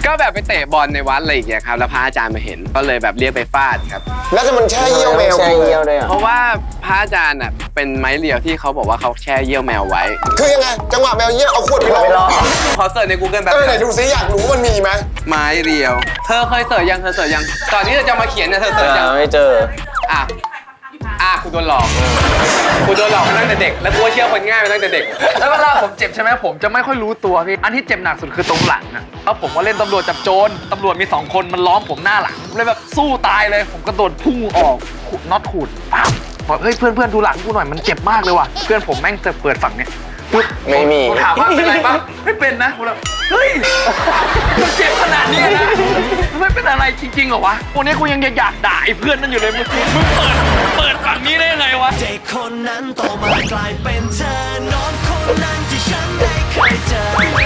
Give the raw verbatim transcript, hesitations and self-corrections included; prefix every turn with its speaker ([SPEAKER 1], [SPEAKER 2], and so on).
[SPEAKER 1] ก็แบบไปเตะบอลในวัดอะไรอย่างเงี้ยครับแล้วพระอาจารย์มาเห็นก็เลยแบบเรียกไปฟาดครับ
[SPEAKER 2] แล้วจะมันแช่เยี่ยวแมว
[SPEAKER 3] แช่เยี่ยวด้วยอ่ะ
[SPEAKER 1] เพราะว่าพระอาจารย์อ่ะเป็นไม้เรียวที่เขาบอกว่าเขาแช่เยี่ยวแมวไว้
[SPEAKER 2] คือยังไงจังหวะแมวเยี่ยวเอาขวดไปรอ
[SPEAKER 1] ขอเสิร์ชใน Google แบบ
[SPEAKER 2] เออไหนดูซิอยากรู้มันมีไหม
[SPEAKER 1] ไม้เรียวเธอเคยเสิร์ชยังเธอเสิร์ชยังก่อนที่เธอจะมาเขียนเนี่ยเธอเสิร์ชยัง
[SPEAKER 3] ไม่เจอ
[SPEAKER 1] อ่ะอ่ะคุณโดนหลอกคุณโดนหลอกมาตั้งแต่เด็กแล้วกูก็เชื่อคนง่ายมาตั้งแต่เด็ก
[SPEAKER 4] แล้วเวลาผมเจ็บใช่ไหมผมจะไม่ค่อยรู้ตัวพี่อันที่เจ็บหนักสุดคือตรงหลังอะเพราะผมว่าเล่นตำรวจจับโจรตำรวจมีสองคนมันล้อมผมหน้าหลังเลยแบบสู้ตายเลยผมกระโดดพุ่งออกขูดน็อตขูดปั๊บบอกเฮ้ยเพื่อนเพื่อนดูหลังกูหน่อยมันเจ็บมากเลยว่ะเพื่อนผมแม่งจะเปิดฝั่งเนี้ยปึ๊บ
[SPEAKER 3] ไม่มี
[SPEAKER 4] ผมถามว่าเป็นไรบ้างไม่เป็นนะผมแบบเฮ้ยมันเจ็บขนาดนี้นะไม่เป็นอะไรจริงๆเหรอวะวันนี้กูยังอยากด่าไอ้เพื่อนนั่นอยู่เลยมึงมึงเปิดเปิดฝั่งนี้ได้ยังไงวะ
[SPEAKER 5] เด็กคนนั้นโตมากลายเป็นเธอน้องคนนั้นที่ฉันได้เคยเจอ